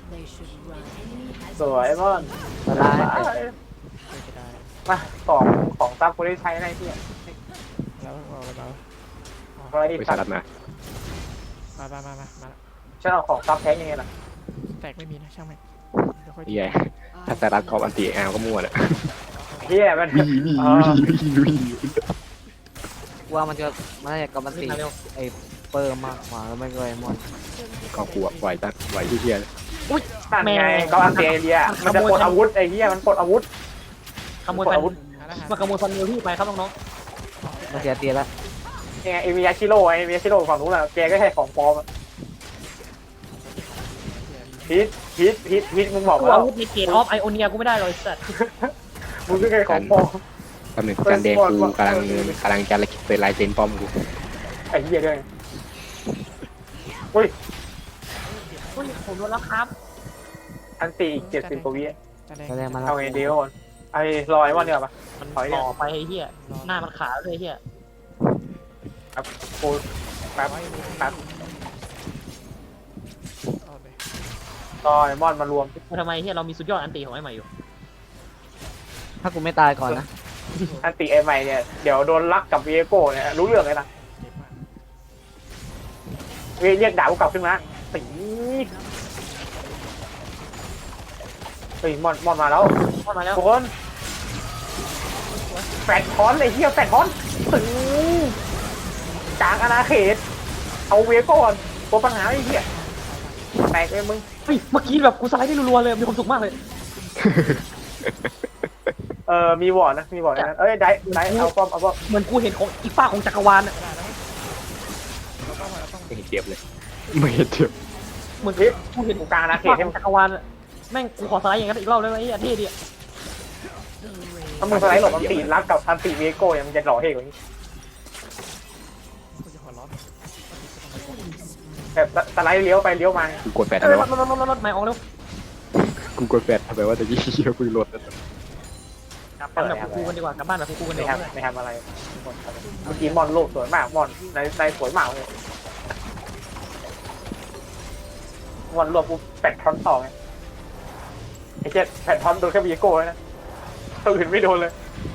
[SPEAKER 2] สวยมอน
[SPEAKER 3] สบาย
[SPEAKER 4] เพื่อจะได้
[SPEAKER 2] มาของของซับกูได้ใช้ในที่
[SPEAKER 4] แล้วเอาอะไรมา
[SPEAKER 2] อะไรดี
[SPEAKER 5] ไป
[SPEAKER 2] สั
[SPEAKER 5] ส
[SPEAKER 2] ต
[SPEAKER 5] ลัด
[SPEAKER 2] ว์
[SPEAKER 5] มา
[SPEAKER 4] มามามามามา
[SPEAKER 2] ฉันเอาของซับแท้ยังไงล่ะ
[SPEAKER 4] แตกไม่มีนะช่างแม่งเดี๋ยวค่อย
[SPEAKER 5] เฮียถ้าสลัดก๊อปอันตีแอลก็มั่วน่ะ
[SPEAKER 2] เฮียมัน
[SPEAKER 5] วิ่งวิ่ง
[SPEAKER 2] อ๋อ
[SPEAKER 5] วิ่งวิ่งวิ่ง
[SPEAKER 3] ว่ามันจะมันน่าจะกับมัน
[SPEAKER 1] ขึ้
[SPEAKER 3] ตี
[SPEAKER 1] นมาเร็ว
[SPEAKER 3] ไอ้เปิร์มมากกว่าแล้วไม่ก็ไอ้มอน
[SPEAKER 5] ก็กลัวไหวตั้งไหวที่เฮีย
[SPEAKER 2] นั่นไงก็อันเตียเดียมันจะปลดอาวุธไอ้เฮียมันปลดอาวุธ
[SPEAKER 1] ขโมย
[SPEAKER 2] ปลด
[SPEAKER 1] ฟัน
[SPEAKER 2] อาวุธ
[SPEAKER 4] หาแล้วหา
[SPEAKER 1] มาขโมยฟันนิวพี่ไปครับน้อง
[SPEAKER 3] มันเสียเตียแล้ว
[SPEAKER 2] ยังไงเอมิยาชิโร่ไอมิยาชิโร่ฝั่งนู้นอะแกก็แค่ของปลอมอะพีทพีทพีทพีทมึงบอก
[SPEAKER 1] ๆกู
[SPEAKER 2] ว่า
[SPEAKER 1] อาวุธในเกตออฟไอโอเนียกูไม่ได้เลยสัตว์
[SPEAKER 2] มึงก็แค่ของปลอม
[SPEAKER 5] ตำแหน่งการแดงกูกำลังกำลังจะเป็นลายเซ็นป้อมกู
[SPEAKER 2] ไอ้เหี้ยด้วยอุ้ย
[SPEAKER 1] อุ้ยผมโดนแล้วครับ
[SPEAKER 2] อันตีอีกเจ็ดสิบกว่าวิ
[SPEAKER 4] จานแดง
[SPEAKER 3] แสดงมาแล้
[SPEAKER 2] เอา
[SPEAKER 3] ว
[SPEAKER 2] ไงเดียวก่อนไอ้ลอยวันเดียวปะ
[SPEAKER 1] มัน
[SPEAKER 2] ถอยเนี่ย
[SPEAKER 1] ต่อไปไอ้เหี้ยหน้ามันขาวเลยไอ้เหี้ย
[SPEAKER 2] โอ้ยแป๊บแป๊บ
[SPEAKER 4] เอาเลย
[SPEAKER 2] ต่อยมอนมารวม
[SPEAKER 1] ทำไมเหี้ยเรามีสุดยอดอันตีของไอ้ใหม่อยู่
[SPEAKER 3] ถ้ากูไม่ตายก่อนนะ
[SPEAKER 2] อันตีไอ้ใหม่เนี่ยเดี๋ยวโดนลักกับวีโก้เนี่ยรู้เรื่องเลยนะ
[SPEAKER 4] เจ็บมาก
[SPEAKER 2] เรียกดาบกูกลับขึ้นมาตีเฮ้ยมอนมอนมาแล้ว
[SPEAKER 1] เข้ามาแล้ว
[SPEAKER 2] ทุกคน
[SPEAKER 1] ส
[SPEAKER 2] แฟดทอนไอ้เหี้ยแฟดทอนถึงกลางอาณาเขตเอาเวก่อนตัวปัญหาไอ้เหี้ยแตกเลยมึง
[SPEAKER 1] เฮ้ยเมื่อกี้แบบกูสไลด์ได้รัวๆเลยมีความสุขมากเลย
[SPEAKER 2] เออมีวอร์ดนะมีวอร์ดนะเอ้ยได้ได้เอาป้อมเอาป้อม
[SPEAKER 1] เหมือนกูเห็นของอีกฝ้าของจักรวาลอะ
[SPEAKER 4] เราต้องเราต้อง
[SPEAKER 5] ไม่เห็นเจ็บเลยไม่เห็นเจ็บ
[SPEAKER 1] เหมือน
[SPEAKER 2] เฮ้ย
[SPEAKER 1] กูเห็น
[SPEAKER 2] กูกลางอาณาเขต
[SPEAKER 1] ฝ้า
[SPEAKER 2] ให้
[SPEAKER 1] ข
[SPEAKER 2] มึ
[SPEAKER 1] อง งจักรวาลอะแม่งกูขอสไลด์อย่างนั้นอีกรอบได้ไหมไอ้เท่ดีอะ
[SPEAKER 2] ถ้ามึงสไลด์หลบอันตีรับกับอันตีเวโก้ยังมันจะหล่อเท่กว่านี้
[SPEAKER 4] กูจะหัวร้อน
[SPEAKER 2] แบบสไลด์เลี้ยวไปเลี้ยวมา
[SPEAKER 5] กูกดแฟด
[SPEAKER 1] เอ
[SPEAKER 5] ทำไม
[SPEAKER 1] อร
[SPEAKER 5] วะ
[SPEAKER 1] ถรถรถรถไม่ออกแล้ว
[SPEAKER 5] กูกดแฟดทำไมวะตะกี้เหี้ยกูรถ
[SPEAKER 1] กลับบ้านแบบกูกันดีกว่ากลับบ้านแบบกูกันดี
[SPEAKER 2] ไม่
[SPEAKER 1] กว่า
[SPEAKER 2] ทำไม่ทำอะไรเมื่อกี้มอนโลกสวยมากมอนในในสวยมากเลยมอนรวบกูแปดทอนต่อไงไอ้เจ็ดแปดทอนโดนแค่เวโก้นะตัวอื่นไม่โดนเลย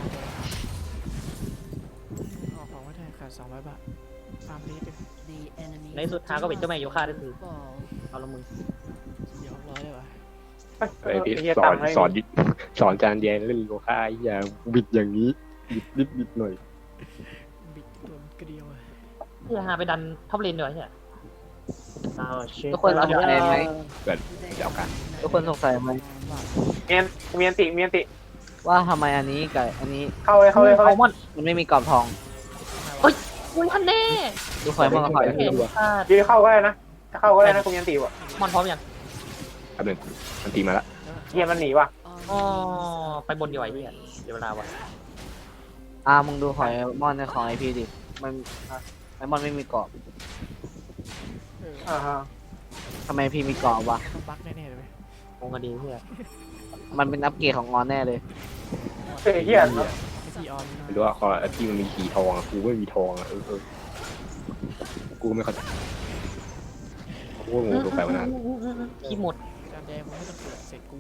[SPEAKER 4] ออกของไว้ได้ขาดสองร้อยบาทฟาร์มลีไป
[SPEAKER 1] ในสุดท้ายก็เป็นเจ้าแม่โยคะได้ถือเอาละมึง
[SPEAKER 4] เดี๋ยวร้อยเลยวะ
[SPEAKER 5] ไอพี่
[SPEAKER 2] เหี้ย
[SPEAKER 5] สอน
[SPEAKER 2] ตังค์ให้
[SPEAKER 5] สอนดิสอนจานแยนเล่นโลค่าไอ้อย่างบิดอย่างนี้บิดนิดบิดหน่อย
[SPEAKER 4] บิดตัวมันกระเดียวอะ
[SPEAKER 1] เพื่อหาไปดันท็อปเลนดีกว่าใช่ไหม
[SPEAKER 3] ทุกคนสงสัยไหม
[SPEAKER 5] แบบเดี๋ยวกัน
[SPEAKER 3] ทุกคนสงสัยไหม
[SPEAKER 2] เมียนเมียนติเมียนติ
[SPEAKER 3] ว่าทำไมอันนี้กับอันนี้
[SPEAKER 2] เข้าเลยเข้าเลยเข้าเลย
[SPEAKER 1] มอน
[SPEAKER 3] มันไม่มีกรอบทอง
[SPEAKER 1] กูทันแน่
[SPEAKER 3] ดูคอยมองคอย
[SPEAKER 1] เห็นพลาด
[SPEAKER 2] ยืนเข้าก็ได้นะเข้าก็ได้นะคุณเมียนติว่ะ
[SPEAKER 1] มอนพร้อมยัง
[SPEAKER 5] แป๊บนึงมันตีมาละ
[SPEAKER 2] เฮียมันหนีว่ะ
[SPEAKER 1] อ๋อไปบนดีกว่าไอ้เหี้ยเดี๋ยวเวลาว่ะ
[SPEAKER 3] อ่ามึงดูหอยมอนในของไอพีดิมันไอมอนไม่มีกรอบ
[SPEAKER 4] เออ
[SPEAKER 2] อ่าฮะ
[SPEAKER 3] ทำไมพีมีกรอบวะ
[SPEAKER 4] ต้องบั๊กแน่ๆเลยไหม
[SPEAKER 1] งงกันดีเหี้ย
[SPEAKER 3] มันเป็นอัปเกรดของงอนแน่เลย
[SPEAKER 2] เฮ้ยเฮีย
[SPEAKER 4] ไม่ซีออน
[SPEAKER 5] ไม่รู้ว่าคอที่มันมีขีทองอะกูไม่มีทองอะเออเออกูไม่เข้าใจกูก็งงตัวแปลมานาน
[SPEAKER 1] ขี้หมด
[SPEAKER 4] จานแดงมึงไม่ต้องเกิดเสร็จกู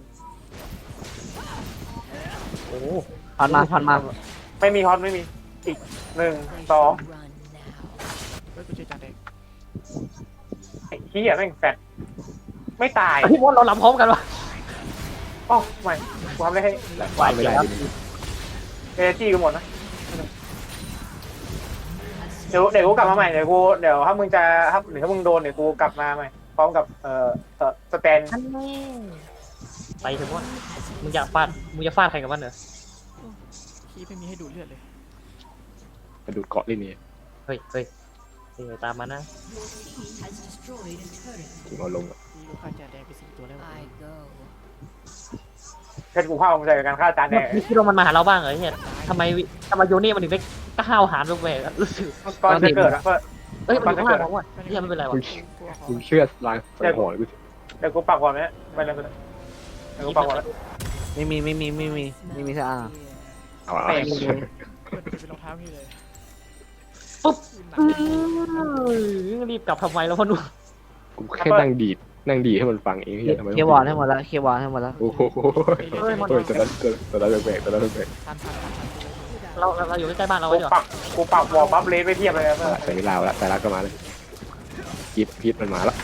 [SPEAKER 1] โอ้
[SPEAKER 3] พอนมาพอนมา
[SPEAKER 2] ไม่มีฮอตไม่มีอีกหนึ่งสอง
[SPEAKER 4] เฮ้ยกูเจอจานแดง
[SPEAKER 2] ไอ้เฮียแม่งแฟดไม่ตาย
[SPEAKER 1] พี่มอนเราลำพร้อมกันวะ
[SPEAKER 2] อ๋อไม่กูทำได้ให้
[SPEAKER 5] แต่ว่าไม่ได้ดิ
[SPEAKER 2] เอจี้กันหมดนะเดี๋ยวเดี๋ยวกูกลับมาใหม่เดี๋ยวกูเดี๋ยวถ้ามึงจะถ้าหรือถ้ามึงโดนเดี๋ยวกูกลับมาใหม่พร้อมกับเอ่อเอ่อสแตน
[SPEAKER 1] ทันแน่ไปเถอะมอนมึงอยากฟาดมึงจะฟาดใครกับมันเหรอ
[SPEAKER 4] คีไม่มีให้ดูดเลือดเลย
[SPEAKER 5] กระดูดเกาะเลยนี่
[SPEAKER 1] เฮ้ยเฮ้ยเฮ้ยตามมานะ
[SPEAKER 5] ถึงเอาลงอะ
[SPEAKER 4] มีลูกค้าจานแดงไปสี่ตัวแล้ว
[SPEAKER 2] เพชรกูเข้ามึงใจกับการฆ่าจานแดง
[SPEAKER 1] นี่คิดว่ามันมาหาเราบ้างเหรอเฮียทำไมวิทำไมโยเน่มันถึงได้ก้าวหารแปลกๆอะรู้สึก
[SPEAKER 2] ก่อนจะเกิดอะเพื่อ
[SPEAKER 1] เอ้ยมันอยู่ข้างล่างผมว่ะเฮียไม่เป็นไร
[SPEAKER 5] มึ
[SPEAKER 1] วะ
[SPEAKER 5] งมึงเชื่อลางสังหรณ์กูสิ
[SPEAKER 2] เดี๋ยวกูปักก่อนไหมไปเลยไปเลยเดี๋ยวกูปักก่อนแล้ว
[SPEAKER 3] ไม่มีไม่มีไม่มีไม่มีสักอ่ะ
[SPEAKER 5] เอาละ
[SPEAKER 2] แม่ง
[SPEAKER 4] เปิดเป็นรองเท้านี่เลย
[SPEAKER 1] ปุ๊บ
[SPEAKER 4] หนั
[SPEAKER 1] อื้อรีบกลับทำไมแล้วพ่อหนุ่ม
[SPEAKER 5] กูแค่นั่งดีดนั่งดีดให้มันฟังเองเฮียทำไม
[SPEAKER 3] เคลียร์วอร์ดให้หมดแล้วเคลียร์วอร์ดให้หมดแล้ว
[SPEAKER 5] โอ้โหโอ้ยตัวนั้นตัวนั้นแปลกตัวนั้นแปลก
[SPEAKER 4] ทันทันทันทัน
[SPEAKER 1] เราเราเราอยู่ใกล้ๆบ้านเรา
[SPEAKER 2] กู
[SPEAKER 1] ไว้ดีกว่า
[SPEAKER 2] ปักกูปักวอลบัฟเลสไปเทียบเลยนะเพื่อน
[SPEAKER 5] ใส่ไม่ลาวแล้วแต่ละก็มาเลยพีทพีทมันมาแล้ว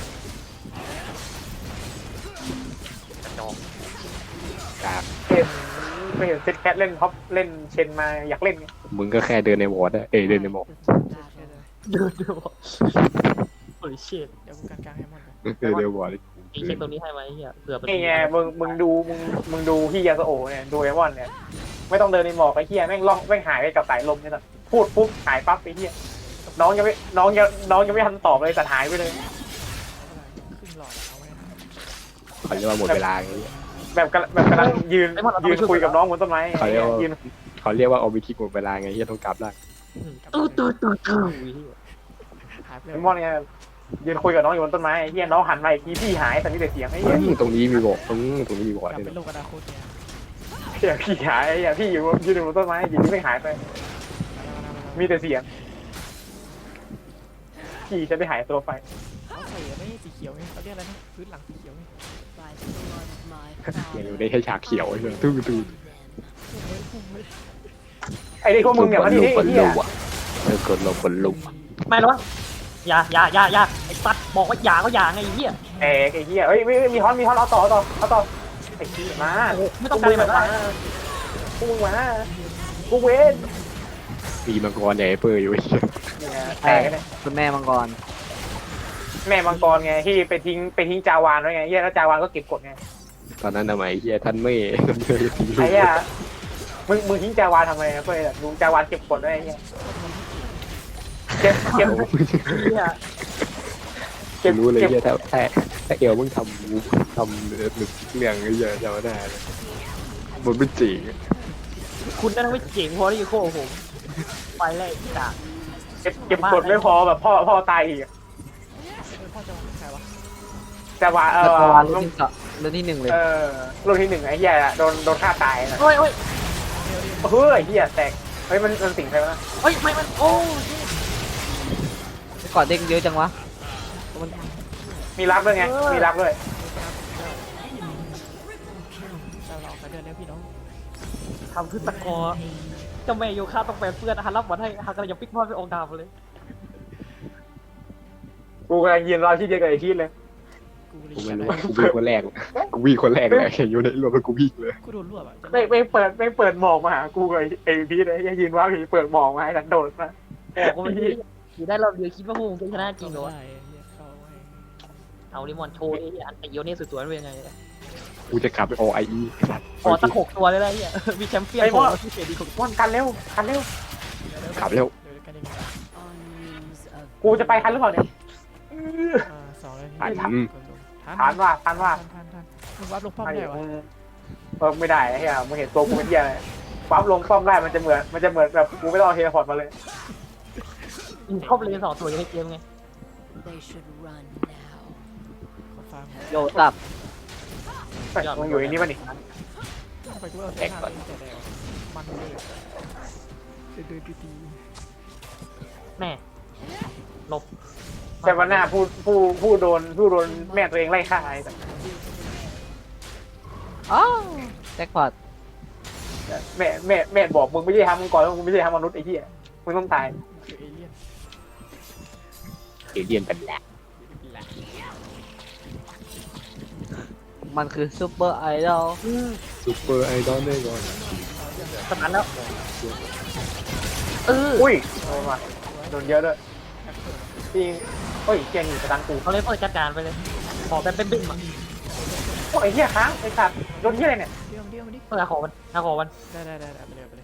[SPEAKER 1] จอก
[SPEAKER 5] กาก
[SPEAKER 2] เห็นไม่เห็นเซตแคทเล่นท็อปเล่นเชนมาอยากเล่นไง
[SPEAKER 5] มึงก็แค่เดินในวอร์ดอะเอ้ยเดินในหมอก
[SPEAKER 1] เดินดูบอกโอ้ยเชิด
[SPEAKER 4] เดี๋ยวกูการกลางให้มันก่อน
[SPEAKER 5] เดินในวอร์ด
[SPEAKER 1] เองเช็คตรงนี้ให้ไหมเฮียเผื่อเป็น
[SPEAKER 2] นี่ไงมึงมึงดูมึงมึงดูพี่ยาสโอเนี่ยดูไอวอนเนี่ยไม่ต้องเดินในหมอกไอ้เฮียแม่งล่องแม่งหายไปกับสายลมเนี่ยนะพูดปุ๊บหายปั๊บไอ้เฮียน้องยังไม่น้องยังน้องยังไม่ทันตอบเลยแต่หายไปเลย
[SPEAKER 4] ครึ่งหลอดเอาไว้
[SPEAKER 5] เขาเรียกว่าหมดเวลาไง
[SPEAKER 2] แบบกำลังแบบกำลังยืนยืนคุยกับน้องบนต้นไม้
[SPEAKER 5] เขาเรียกว่า
[SPEAKER 2] ยืน
[SPEAKER 5] เขาเรียกว่าเอาไปคิกหมดเวลาไงเฮียต้องกลับได้
[SPEAKER 1] ตู้ตู้ตู้ตู้
[SPEAKER 4] หายไปเล
[SPEAKER 2] ไอย มอนไงยืนคุยกับน้องอยู่บนต้นไม้ไอ้เฮียน้องหันมาอีกทีพี่หายแต่มีแต่เสียงไอ้เฮีย
[SPEAKER 5] ตรงนี้มีบอกตรงนี้ตรงนี้มีบอก
[SPEAKER 4] กลับ
[SPEAKER 5] เลย
[SPEAKER 4] เป็นโลกอนาคตเนี่ย
[SPEAKER 2] เฮียพี่หายไอ้เฮียพี่อยู่ยืนอยู่บนต้นไม้อยู่ที่ไม่หายไป มีแต่เสียงพี่จะได้หายตัวไป
[SPEAKER 4] เขาใส่ไม่สีเขียวไงเขาเรียกอะไรนะพื้นหลังสีเขียวไง
[SPEAKER 5] อย่างอยู่ได้แค่ฉากเขียวไอ้เหี้ยตื้อตื้อ
[SPEAKER 2] ไอ้เด็กพวกมึงเนี่ยมันนี่ไอ้เฮีย
[SPEAKER 5] เออกดลงกดลุก
[SPEAKER 1] ไม่หรออย่าอย่าอย่าอย่าไอ้สัตว์บอกว่าอย่าก็อย่าไงไอ้เหี้ย
[SPEAKER 2] เอ้ไอ้เฮียเฮ้ยไม่มีฮอนมีฮอนเอาต่อเอาต่อเอาต่อไอ้เฮียมา
[SPEAKER 1] ไม่ต้องการแบบ
[SPEAKER 2] มา
[SPEAKER 1] นั้น
[SPEAKER 2] พวกมึงมากูเวน
[SPEAKER 5] มีมังกรใหญ่เปอร์อยู่ไอ้เหี้ย
[SPEAKER 2] เนี่ยแต
[SPEAKER 3] ใช่
[SPEAKER 2] กเลย
[SPEAKER 3] คุณแม่มังกร
[SPEAKER 2] แม่มังกรไงที่ไปทิ้งไปทิ้งจาวานไว้ไงเฮียแล้วจาวานก็เก็บกดไง
[SPEAKER 5] ตอนนั้นทำไมไอ้เหี้ยท่านไม่ท่านไม่ทิ้งลู
[SPEAKER 2] ไอ้
[SPEAKER 5] ก
[SPEAKER 2] เฮียมึงมึงทิ้งจาวานทำไมเพื่อนลุงจาวานเก็บกดไว้ไอ้เฮียเก็บเก็บ
[SPEAKER 5] โอ้โห
[SPEAKER 1] เหี้ย
[SPEAKER 2] เก็บ
[SPEAKER 5] รู้เลย
[SPEAKER 2] เก็บ
[SPEAKER 5] เหี้ยถ้าถ้าถ้าเอลมึงทำทำเรื่องไอ้เหี้ยจำไม่ได้เลยมันไม่จริง
[SPEAKER 1] คุณนั่นไม่เจ๋งพอที่จะโค้ผมไปแรกจาก
[SPEAKER 2] เก็บเก็บกดไม่พอแบบพ่อพ่อตายอีกอะ
[SPEAKER 4] เออพ่อจะวางใครวะ
[SPEAKER 2] จาวานเอ
[SPEAKER 3] แล้ว
[SPEAKER 2] อ
[SPEAKER 3] ก็วันรุ่นที่สองรุ่นที่หนึ่งเลย
[SPEAKER 2] เออรุ่นที่หนึ่งไอ้เฮียโดนโดนฆ่าตายนะ
[SPEAKER 1] โอ้ยโอ้ย
[SPEAKER 2] เฮ้ยไอ้เฮียแตกเฮ้ยมันมันสิงใครวะ
[SPEAKER 1] โอ้ยไม่มันโอ้ย
[SPEAKER 3] ก่อนเด้งเยอะจังวะมัน
[SPEAKER 2] มีรักด้วยไงมีรักด้วย
[SPEAKER 4] เราลองไปเดินเร็วพี่น้อง
[SPEAKER 1] ทำคือตะกอเจ้าแม่โยคะต้องแปลเปื้อนอาหารรับบอลให้ฮักกระยังปิ๊กพอดไปองค์ดาวเลย
[SPEAKER 2] กูกำลังยืนรอที่เดียวกับไอ้ชีดเลย
[SPEAKER 4] กู
[SPEAKER 5] กูไม่รู้กูวิ่งคนแรกกูวิ่งคนแรกเลยอยู่ในรวมแล้วกูวิ่งเลย
[SPEAKER 4] กูโดนรวบอ่ะจะ
[SPEAKER 2] ไม่ไม่เปิดไม่เปิดหมอกมาหากูกับไอ้พีทเลยยังยืนว่าพีเปิดหมอกมาให้ฉันโดดมา
[SPEAKER 1] บอกว่ามันอยู่ได้รอบเดียวคิดว่าพวกมึงจะชนะจริงเหรอวะ
[SPEAKER 4] ได้เหี้ยเข้าไว้
[SPEAKER 1] เอาลิมอนโชว์ไอ้อันไอเอียวนี่สวยๆเป็นยังไง
[SPEAKER 5] กูจะกลับไปโอไออี
[SPEAKER 1] ขอตะหกตัวเลยนะเฮียมีแชมเปี้ยนโผล่ที่เสียดีของ
[SPEAKER 2] ว่อนกันเร็วกันเร็ว
[SPEAKER 5] กลับแล้ว
[SPEAKER 4] เดี๋ยวกันเอง
[SPEAKER 2] กูจะไปทันหรือเปล่าเนี่ย
[SPEAKER 4] อ่าสองเลย
[SPEAKER 5] ทัน
[SPEAKER 4] ทัน
[SPEAKER 2] ทันว่าทันว่า
[SPEAKER 4] ทันทันมึงวัดลงป้อมได้วะ
[SPEAKER 2] เออไม่ได้ไอ้เหี้ยมึงเห็นตัวกูเป็นเหี้ยอะไรปั๊บลงป้อมได้มันจะเหมือนมันจะเหมือนแบบกูไม่ต้องเอาเทเลพอร์ตมาเลย
[SPEAKER 1] เข้าไปเลยสองตัวในเกมไง
[SPEAKER 6] They should run now.
[SPEAKER 4] ขอฟัง
[SPEAKER 3] โยตับ
[SPEAKER 2] เฮ้ยมึงอยู่ไอ้นี่มันนี่
[SPEAKER 4] ทำไมกูเอาเส้นทางนี้แต่แดงมันเลยเดินเดินตี
[SPEAKER 1] แม่หลบ
[SPEAKER 2] ใช่วันหน้าผู้ผู้ผู้โดนผู้โดนแม่ตัวเองไล่ฆ่าไอ้สัส
[SPEAKER 3] อ้าวแจ็คพอต
[SPEAKER 2] แม่แม่แม่บอกมึงไม่ใช่ทำมึงก่อนมึงไม่ใช่ทำมนุษย์ไอ้เหี้ยมึงต้องตาย
[SPEAKER 4] คือเอเลี่ยน
[SPEAKER 5] เอเลียนเป็นแหละ
[SPEAKER 4] แหละ
[SPEAKER 3] มันคือซูเปอร์ไอดอล
[SPEAKER 5] ซูเปอร์ไอดอลได้ก่อน
[SPEAKER 1] สมันแล้วเออ
[SPEAKER 2] อุ้ยโดนมาโดนเยอะด้วยจริงเฮ้ยเกียร์หนีกระดังกู
[SPEAKER 1] เขาเลยเปิดจัดการไปเลยขอแบบเป็นบิ่มอ่ะ
[SPEAKER 2] โอ้ยไอ้เหี้ยค้างไอ้สัตว์โดนเหี้ยอะไรเนี่ย
[SPEAKER 4] เดี่ยวเดี่ยวมาดิ
[SPEAKER 1] เปิดขอมันขอมัน
[SPEAKER 4] ได้ได้ได้ได้ไปเลยไปเลย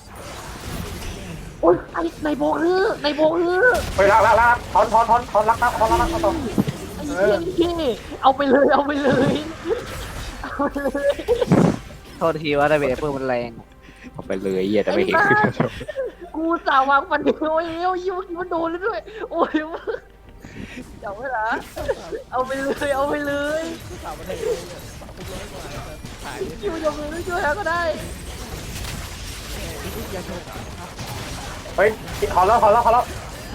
[SPEAKER 1] โอ้ยไอ้ในโบฮือในโบฮือ
[SPEAKER 2] ไปละละละถอนถอนถอนถอนรักนะถอนรักนะถอน
[SPEAKER 1] ไอ้เหี้ยนี่เอาไปเลยเอาไปเลยเอาไปเลย
[SPEAKER 3] โทษทีว่าไดเวเปอร์มันแรง
[SPEAKER 5] เอาไปเลยเหี้ยแต่ไม่เห็นขึ้นแล้ว
[SPEAKER 1] กูสาววางมันโอ้ยโอ้ยมันโดนเลยด้วยโอ้ยเดี๋ยวเวลาเอาไปเลยเอาไปเลย
[SPEAKER 4] สาวมาได้เลยสาวร้อยกว่าขาย
[SPEAKER 1] คิวยกมือช่วยก็ได้
[SPEAKER 4] ยาโชว์
[SPEAKER 2] เฮ้ยถอนแล้วถอนแล้วถอนแล้ว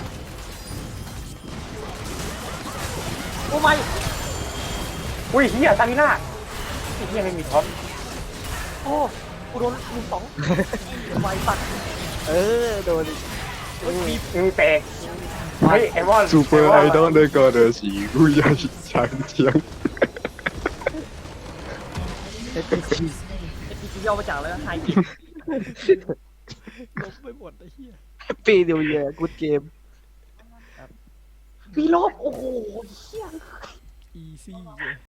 [SPEAKER 1] โอ้ไม่
[SPEAKER 2] อุ้ยเหี้ยซาลิน่าไอ้เหี้ยไม่มีท็อป
[SPEAKER 1] โอ้กูโดนหนึ่งสองไวปัด
[SPEAKER 3] เออโดน
[SPEAKER 2] มีมีแปลกเฮ้ยไอวอน
[SPEAKER 5] ซูเปอร์ไอดอลได้ก่อนเดอสีกูอยากช้างเชียง
[SPEAKER 1] เอพีจีย่อมาจากอะไรไฮกิ
[SPEAKER 4] ลบไปหมดไอ้เหี้ย
[SPEAKER 3] ปีเดียวเยอะกูเกม
[SPEAKER 1] ปีลบโอ้โหเฮีย
[SPEAKER 4] อีซี่